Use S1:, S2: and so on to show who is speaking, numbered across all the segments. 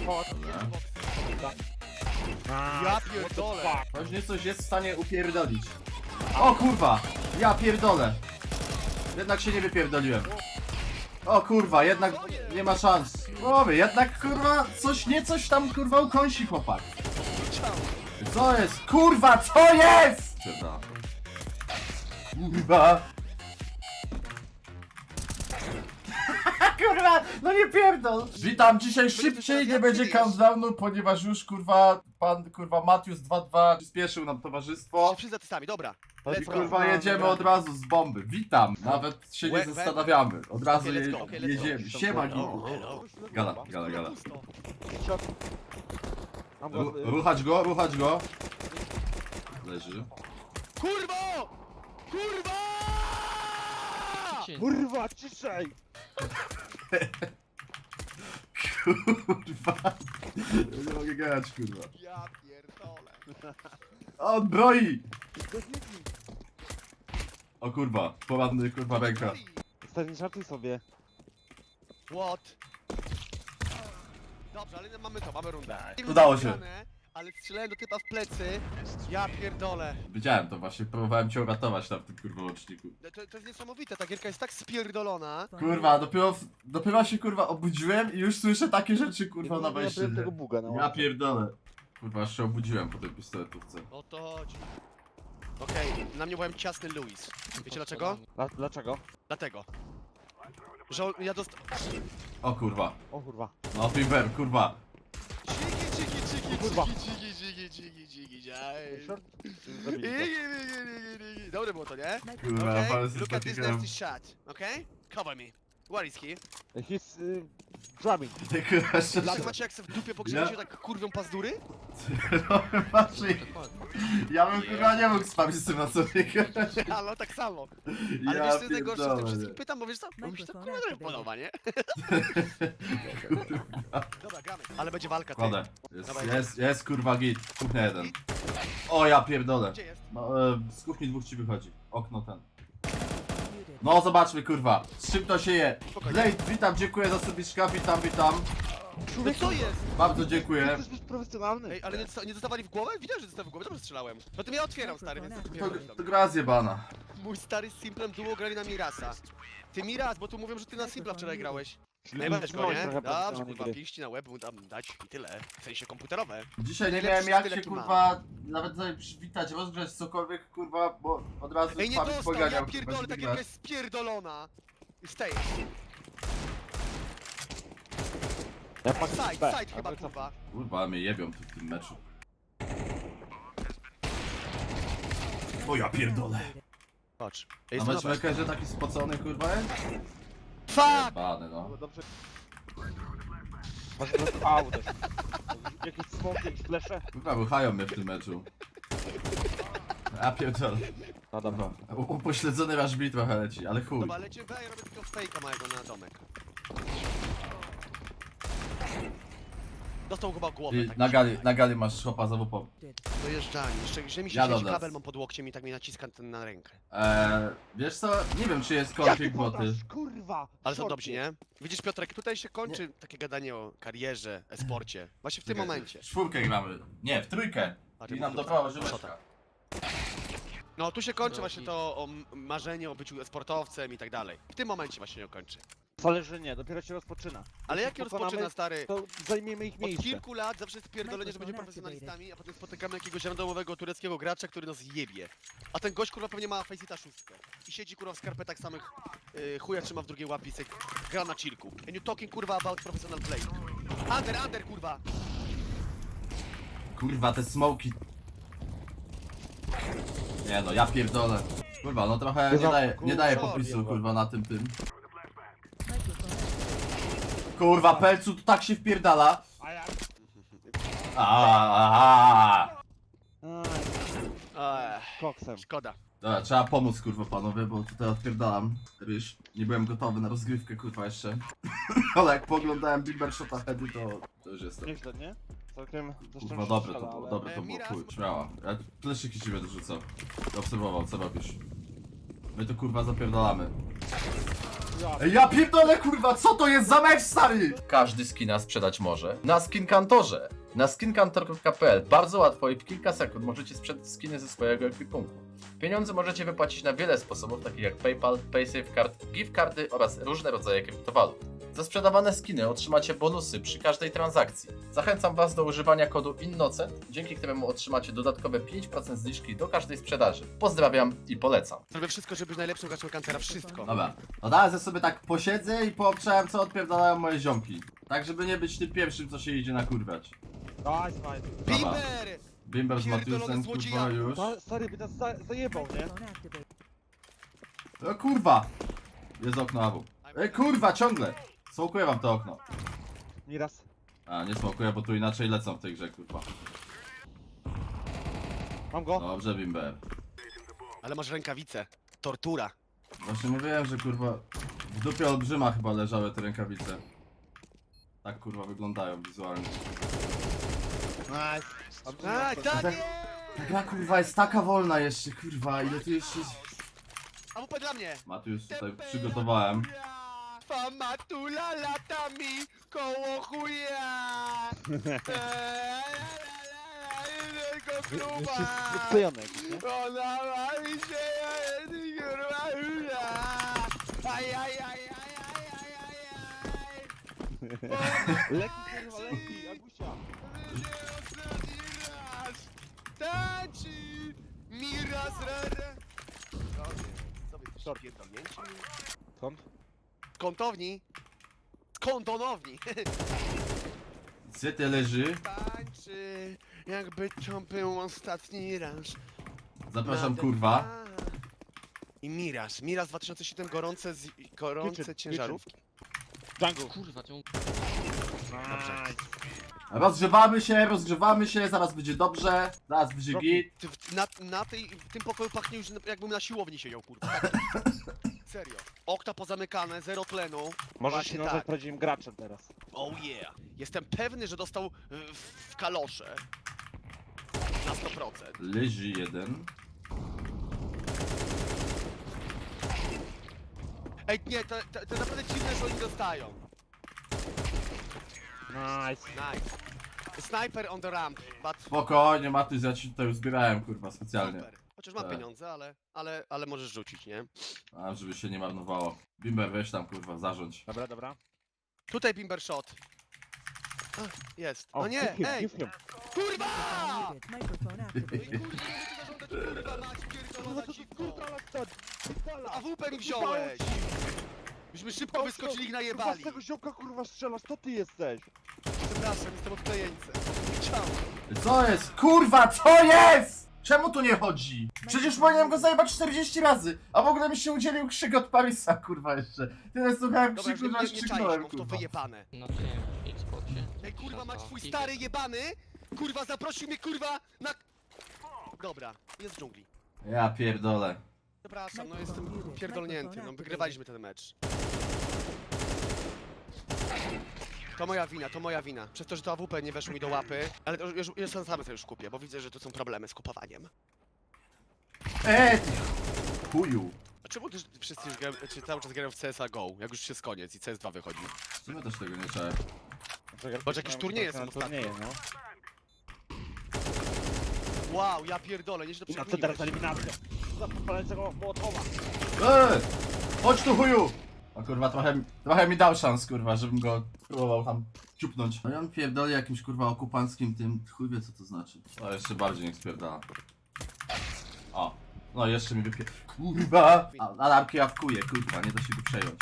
S1: Ja pierdolę.
S2: Choć nie coś jest w stanie upierdolić. O kurwa! Ja pierdolę! Jednak się nie wypierdoliłem. O kurwa, jednak nie ma szans. Mówię, jednak kurwa coś tam kurwa ukąsi chłopak. Co jest? Kurwa, co jest? Kurwa. Kurwa, no nie pierdol. Witam, dzisiaj szybciej nie będzie countdownu, ponieważ już kurwa, pan kurwa Matius 2-2 przyspieszył nam towarzystwo.
S1: Szybciej za testami, dobra.
S2: I
S1: Let's go.
S2: kurwa jedziemy od razu z bomby. Witam, nawet się nie zastanawiamy. Od razu
S1: Okay, let's go, okay, let's
S2: jedziemy.
S1: go.
S2: Siema Gigu.
S1: Hello.
S2: Gala.
S3: Mam go,
S2: Ruchać go. Leży.
S1: Kurwo! Kurwa!
S3: kurwa, ciszej!
S2: Kurwa. Nie mogę grać, kurwa.
S1: Ja pierdolę.
S2: On broi! O kurwa, poradny kurwa ręka.
S3: Stary, żartuj sobie.
S1: What? Dobrze, ale mamy rundę.
S2: Udało się.
S1: Ale strzelałem do typa w plecy. Ja pierdolę.
S2: Wiedziałem to właśnie, próbowałem cię uratować tam w tym kurwa łączniku.
S1: To jest niesamowite, ta gierka jest tak spierdolona.
S2: Kurwa, dopiero się kurwa obudziłem i już słyszę takie rzeczy kurwa na
S3: Ja
S2: wejściu.
S3: byłem tego buga na
S2: Ja
S3: łapie.
S2: pierdolę. Kurwa, aż się obudziłem po tej pistoletówce.
S1: O to chodzi. Okej, na mnie byłem ciasny Louis. Wiecie dlaczego?
S3: Dlaczego?
S1: Dlatego. Że ja
S2: O kurwa.
S3: O kurwa.
S2: No Timber, kurwa.
S3: Kurwa.
S1: Short.
S3: Zabili
S1: Dobre było to, nie?
S2: Kurwa,
S1: Okay,
S2: ale jest
S1: look at this
S2: taki gram.
S1: nasty shot, okay? Cover me. Where is he?
S3: go. He's drumming.
S2: Kurwa, jeszcze
S1: Czy macie jak se w dupie pogrzebiecie tak kurwią pazdury?
S2: Ja bym kurwa nie mógł spać z tym na sobie grać.
S1: Ale tak samo. Ale
S2: Ja
S1: wiesz co jest najgorsze w tym
S2: pierdolę,
S1: wszystkim?
S2: nie.
S1: Pytam, bo wiesz co? Bo mi się to kurwa trochę podoba, nie? Dobra, gramy. Ale będzie walka, ty.
S2: Kładę. Jest kurwa git. Kuchnia jeden. O ja pierdolę.
S1: Gdzie jest?
S2: No, z kuchni dwóch ci wychodzi. Okno ten. No zobaczmy kurwa. Z czym to się je?
S1: Spokojnie.
S2: Blade, witam, dziękuję za subiczka, witam.
S1: No co jest?
S2: Bardzo dziękuję.
S3: Chcesz być profesjonalny.
S1: Ej, ale nie dostawali w głowę? Widziałem, że dostałem w głowę, dobrze strzelałem. No to ja otwieram, stary, więc ty
S2: To gra zjebana.
S1: Mój stary z Simplem duo grali na Mirasa. Ty Miras, bo tu mówią, że ty na Simpla wczoraj grałeś.
S3: Czyli
S1: Ej, weź go,
S3: trzymałeś
S1: nie?
S3: trochę
S1: Dobrze,
S3: profesjonalnej
S1: kurwa,
S3: gry.
S1: pięści na łeb mu tam dać i tyle. W sensie komputerowe.
S2: Dzisiaj nie
S1: Najlepszy
S2: miałem jak
S1: styl,
S2: się
S1: jaki mam.
S2: kurwa nawet sobie przywitać, rozgrzać cokolwiek kurwa, bo od razu
S1: Ej, nie
S2: Fabi
S1: dostał,
S2: poganiał,
S1: ja
S2: kurwa,
S1: pierdolę,
S2: żeby
S1: ta
S2: grać.
S1: gierka jest spierdolona. Stay.
S3: Ja patrzę
S1: Side chyba, kurwa.
S2: Kurwa, mnie jebią tu w tym meczu. O ja pierdolę.
S1: Patrz.
S2: A mecz że taki spocony kurwa jest?
S1: Fuck!
S2: Jebany no.
S3: Dobrze. Masz teraz auto. Jakieś smoki, jakieś flesze?
S2: Kurwa, wychają mnie w tym meczu. Ja pierdolę.
S3: No dobra.
S2: Upośledzony aż mi trochę leci, ale chuj.
S1: Dobra, lecimy, ja robię tylko fejka małego na domek. Dostał chyba głowę.
S2: Ty,
S1: tak
S2: na gali masz chłopa za WP.
S1: Dojeżdżanie. Jeszcze że mi się
S2: Ja
S1: siedzi
S2: dodam.
S1: kabel mam pod łokciem i tak mi naciska ten na rękę.
S2: Wiesz co, nie wiem czy jest konflikt boty.
S3: Kurwa!
S1: Ale to
S3: Shorty.
S1: dobrze, nie? Widzisz Piotrek, tutaj się kończy takie gadanie o karierze, e-sporcie. Właśnie w tym momencie.
S2: W czwórkę gramy. Nie, w trójkę.
S1: A, ty
S2: I nam
S1: mówisz,
S2: doprawa
S1: co
S2: żyweczka.
S1: tak? No tu się kończy właśnie to o marzenie o byciu sportowcem i tak dalej. W tym momencie właśnie się kończy.
S3: Wcale, że nie, dopiero się rozpoczyna.
S1: Ale
S3: Jeśli
S1: jak
S3: pokonamy,
S1: rozpoczyna, stary?
S3: To zajmiemy ich
S1: Od
S3: miejsce.
S1: kilku lat zawsze jest pierdolenie, że będziemy profesjonalistami, a potem spotykamy jakiegoś randomowego tureckiego gracza, który nas jebie. A ten gość kurwa pewnie ma Faceita 6. I siedzi kurwa w skarpetach samych chuja trzyma w drugiej łapie i se gra na chillku. And you talking kurwa about professional play. Under kurwa!
S2: Kurwa, te smoki. Nie no, ja pierdolę. Kurwa, no trochę nie daje popisu kurwa na tym. Kurwa, pelcu tu tak się wpierdala.
S3: A ja...
S2: Aaaa.
S3: Koksem.
S1: Szkoda.
S2: Dobra, trzeba pomóc kurwa panowie, bo tutaj odpierdalam ryż. Nie byłem gotowy na rozgrywkę kurwa jeszcze. Ale jak poglądałem Bimber Shota Heady to już jestem.
S3: Nieźle, nie? Całkiem zresztą
S2: Kurwa dobre to było, dobre to było,
S1: Miras-
S2: chuj, śmiała. Ja pleszyki ci będę rzucał. Obserwował, co robisz. My to kurwa zapierdalamy. Ej, ja pierdolę, kurwa, co to jest za mecz, stary? Każdy skina sprzedać może na Skinkantorze. Na skinkantor.pl bardzo łatwo i w kilka sekund możecie sprzedać skiny ze swojego ekwipunku. Pieniądze możecie wypłacić na wiele sposobów, takich jak PayPal, PaySafeCard, gift cardy oraz różne rodzaje kryptowalut. Za sprzedawane skiny otrzymacie bonusy przy każdej transakcji. Zachęcam Was do używania kodu INNOCENT, dzięki któremu otrzymacie dodatkowe 5% zniżki do każdej sprzedaży. Pozdrawiam i polecam.
S1: Zrobię wszystko, żeby być najlepszym graczem Kantera. Wszystko.
S2: Dobra, no teraz sobie tak posiedzę i poobczałem, co odpierdalają moje ziomki. Tak, żeby nie być tym pierwszym, co się idzie nakurwiać.
S3: Nice, nice.
S1: Bimber!
S2: Bimber z
S1: Pierdolony
S2: Matiusem, kurwa,
S1: złodzieja.
S2: już.
S3: Stary by nas zajebał, nie?
S2: O kurwa! Jest okno Abu. Ej kurwa, ciągle! Smokuję wam to okno.
S3: Nieraz.
S2: A, nie smokuję, bo tu inaczej lecą w tej grze, kurwa.
S3: Mam go.
S2: Dobrze, Bimber.
S1: Ale masz rękawice. Tortura.
S2: Właśnie mówiłem, że kurwa w dupie olbrzyma chyba leżały te rękawice. Tak kurwa wyglądają wizualnie.
S3: Nice.
S1: Tak, tak jest!
S2: Ta gra kurwa jest taka wolna jeszcze, kurwa, ile tu jeszcze...
S1: A WP dla mnie!
S2: Matiusz tutaj przygotowałem.
S1: Famatula latami koło chuja!
S3: Jeszcze sklejony jakiś, nie?
S1: Ona ma mi się kurwa aj, aj, aj, aj, aj, aj,
S3: Leki, kurwa, leki, Agusia.
S1: Taci! Miraz rara! Co wy
S3: Short.
S1: pierdolnięci?
S3: Skąd?
S1: Z kątowni! Z kątonowni!
S2: Gdzie ty leży?
S1: Tańczy, jakby to był ostatni raz.
S2: Zapraszam
S1: Na
S2: kurwa.
S1: ten- I Miraz. Miraz 2007 gorące
S3: Kitchen,
S1: ciężarówki.
S3: Jungle.
S4: Kurwa, cię
S3: Nice.
S2: Rozgrzewamy się, zaraz będzie dobrze, zaraz będzie
S3: Rocky.
S2: git.
S1: Ty w tym pokoju pachnie już jakbym na siłowni siedział, kurwa. Tak. Serio. Okna pozamykane, zero tlenu.
S3: Możesz
S1: Właśnie
S3: się nazwać
S1: tak.
S3: prawdziwym graczem teraz.
S1: Oh yeah. Jestem pewny, że dostał w kalosze. Na 100%.
S2: Leży jeden.
S1: Ej, nie, to naprawdę dziwne, że oni dostają.
S3: Nice.
S1: Nice. Sniper on the ramp, but
S2: Spokojnie Matiusz, ja ci tutaj uzbierałem kurwa specjalnie.
S1: super. Chociaż mam
S2: Tak.
S1: pieniądze, ale możesz rzucić, nie?
S2: A, żeby się nie marnowało. Bimber, weź tam kurwa, zarządź.
S3: Dobra, dobra.
S1: Tutaj Bimber shot. A, jest.
S3: O,
S1: No nie,
S3: give him,
S1: ej!
S3: give him.
S1: Kurwa!
S5: Microphone activated.
S1: Kurde, nie zażądać, kurwa, mać, pierdolona dziwko.
S3: Pierdala.
S1: AWP mi wziąłeś! Myśmy szybko wyskoczyli ich
S3: Kurwa,
S1: najebali.
S3: z tego ziomka kurwa strzelasz, to ty jesteś.
S1: Przepraszam, jestem odklejeńcem. Chciałem.
S2: Co jest? Kurwa, co jest? Czemu tu nie chodzi? Przecież powinienem go zajebać 40 razy, a w ogóle mi się udzielił krzyk od Parisa, kurwa jeszcze. Tyle słuchałem
S1: Dobra,
S2: krzyku, że
S1: nie
S2: aż
S1: czaisz,
S2: krzyknąłem,
S1: mam w to
S2: kurwa.
S1: wyjebane.
S4: na tym Xboxie.
S1: Ej, kurwa, mać twój stary jebany! Kurwa, zaprosił mnie, kurwa, na... Dobra, jest w dżungli.
S2: Ja pierdolę.
S1: Przepraszam, no jestem pierdolnięty, no wygrywaliśmy ten mecz. To moja wina. Przez to, że to AWP nie weszło mi do łapy. Ale to już sam sobie już kupię, bo widzę, że tu są problemy z kupowaniem.
S2: Ty chuju.
S1: A czemu też wszyscy już grają, czy cały czas grają w CSA GO, jak już jest koniec i CS2 wychodzi?
S2: W sumie też tego nie czuję.
S1: Boże, jakieś turnieje są
S3: na turnieje, no.
S1: Wow, ja pierdolę, nieźle
S3: I na co teraz
S1: przekminiłeś.
S3: eliminacja? Za podpalającego Mołotowa.
S2: Chodź tu chuju! A kurwa, trochę mi dał szans, kurwa, żebym go próbował tam ciupnąć. No i on pierdoli jakimś kurwa okupanckim tym, chuj wie co to znaczy. O, jeszcze bardziej niech spierdala. O, no jeszcze mi wypie... Kurwa! A lampki awkuje, kurwa, nie da się go przejąć.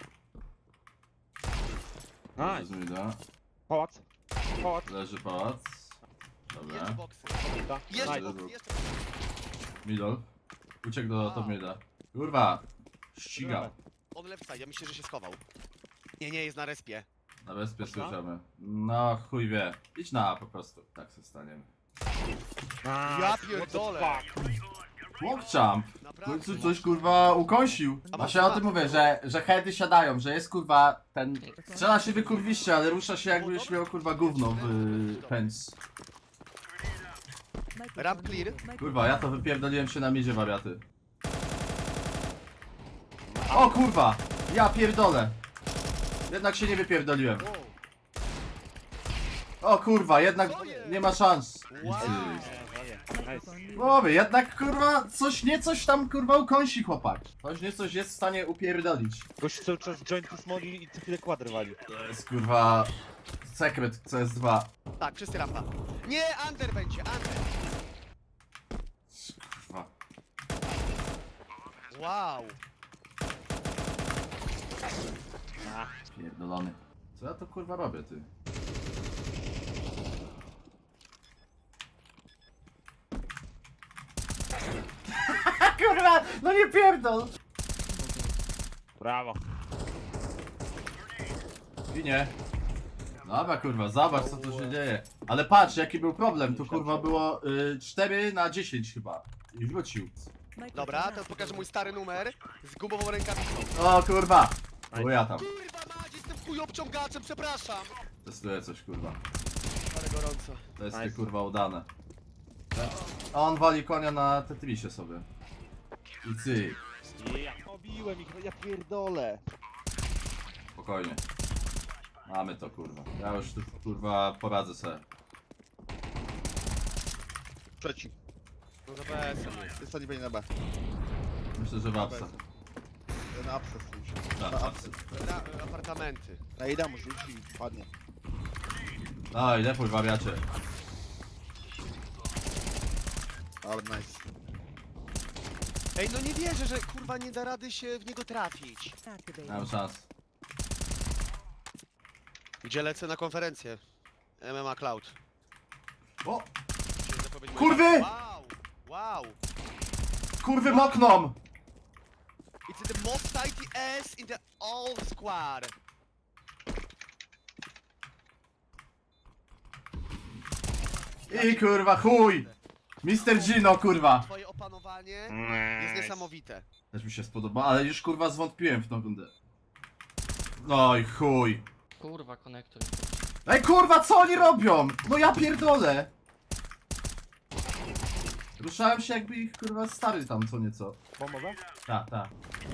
S3: Nice.
S2: Zmida.
S3: Pałac. Pałac.
S2: Leży pałac. Dobra.
S1: Jeszcze boksy.
S3: Dobra.
S1: Jeszcze
S3: Nice.
S1: boksy, jeszcze
S2: Middle. Uciekł do top mida. Kurwa! Ścigał.
S1: On left side, ja myślę, że się schował. Nie, jest na respie.
S2: Na bezpie
S3: Można?
S2: słyszymy. No chuj wie. Idź na A po prostu. Tak się staniemy.
S1: Ja pierdolę.
S2: Walkjump! W
S1: Naprawdę.
S2: końcu coś kurwa ukąsił. Właśnie o tym mówię, że heady siadają, że jest kurwa ten... Strzela się wykurwiście, ale rusza się jakbyś miał kurwa gówno w pędz.
S1: Ramp clear.
S2: Kurwa, ja to wypierdoliłem się na midzie wariaty. O kurwa! Ja pierdolę. Jednak się nie wypierdoliłem. O kurwa, jednak nie ma szans.
S1: Wow.
S5: Microphone muted.
S2: Mówię, jednak kurwa coś tam kurwa ukąsi chłopak. Coś jest w stanie upierdolić.
S3: Gość cały czas joint to smoli i co chwilę kwadry wali.
S2: To jest kurwa sekret CS2.
S1: Tak, wszyscy rampa. Nie, under będzie, under.
S2: Kurwa.
S1: Wow.
S2: Pierdolony. Co ja to kurwa robię, ty? Kurwa, no nie pierdol!
S3: Brawo.
S2: Ginie. Dobra kurwa, zobacz co tu się dzieje. Ale patrz jaki był problem, tu kurwa było 4 na 10 chyba. I wrócił.
S5: Microphone
S1: Dobra, teraz pokażę mój stary numer z gumową rękawicą.
S2: O kurwa! Bo ja tam.
S1: Kurwa mać, jestem chuj obciągaczem, przepraszam.
S2: Testuję coś kurwa.
S1: Ale gorąco.
S2: To jest
S3: Nice.
S2: kurwa udane. A on wali konia na Tetrisie sobie. I cyk.
S3: Ja obiłem ich, ja pierdolę.
S2: Spokojnie. Mamy to kurwa. Ja już tu kurwa poradzę sobie.
S6: Trzeci.
S1: No za BS-em.
S6: Jest to nie będzie na B.
S2: Myślę, że w apsa.
S6: Na apsy stójcie.
S2: Tak,
S6: Na
S2: apsy.
S1: Apartamenty.
S6: Na Ida mu rzuci i padnie.
S2: Daj, lepuj wariacie.
S6: Ale nice.
S1: Ej, no nie wierzę, że kurwa nie da rady się w niego trafić.
S2: Nie
S5: activated.
S2: mam szans.
S1: Gdzie lecę na konferencję? MMA Cloud.
S2: O!
S1: Chciałem zapowiedzieć
S2: Kurwy!
S1: moje- Wow! Wow!
S2: Kurwy mokną!
S1: It's the most tight ass in the all squad.
S2: I kurwa chuj! Mr. Gino kurwa!
S1: Twoje opanowanie jest niesamowite.
S2: Też mi się spodoba, ale już kurwa zwątpiłem w tą rundę. No i chuj.
S4: Kurwa, konektor.
S2: Ej kurwa, co oni robią? No ja pierdolę! Ruszałem się jakby ich kurwa stary tam co nieco.
S3: Bombowe?
S2: Ta.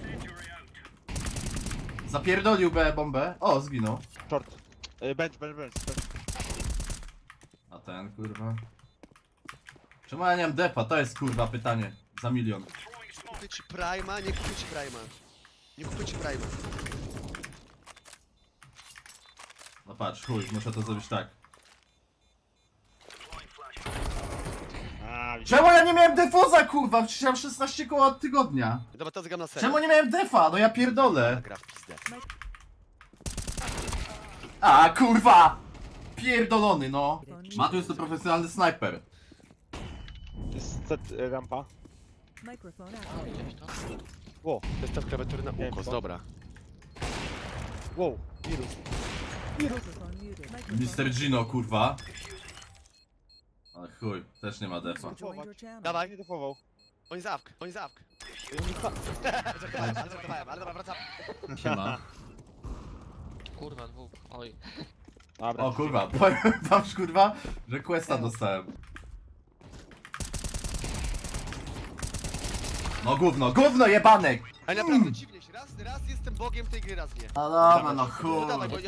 S2: Zapierdolił B bombę. O, zginął.
S3: Short. Bench.
S2: A ten kurwa. Czemu ja nie mam defa? To jest kurwa pytanie. Za milion.
S1: Kupię ci Prima, nie kupię ci Prima. Nie kupię ci Prima.
S2: No patrz, chuj, muszę to zrobić tak.
S3: A, widzisz.
S2: Czemu ja nie miałem defuza kurwa? Przecież ja mam 16 koła od tygodnia.
S1: Dobra, to zgam na serio.
S2: Czemu nie miałem defa? No ja pierdolę.
S1: Gra w pizdę.
S2: A kurwa! Pierdolony no. Matu jest to profesjonalny snajper.
S3: Jest set rampa.
S5: Microphone
S4: O,
S5: activated.
S4: widziałeś to?
S3: Wow,
S1: Zestaw klawiatury na ukos, dobra.
S3: wow, wirus.
S5: Microphone muted. Microphone
S2: Mr. Gino kurwa. Ale chuj, też nie ma defa.
S5: joined your channel.
S1: Dawaj,
S3: Nie defował.
S1: oni za awk, oni za awk. Żartowałem, ale dobra, wracam.
S2: Siema.
S4: Kurwa, dwóch. Oj.
S3: Dobra.
S2: O kurwa, powiem wam kurwa, że questa dostałem. No gówno jebanek!
S1: Ale naprawdę dziwnie się, raz jestem bogiem tej gry, raz nie.
S2: No dobra, no
S1: No dawaj, bo
S2: chuj.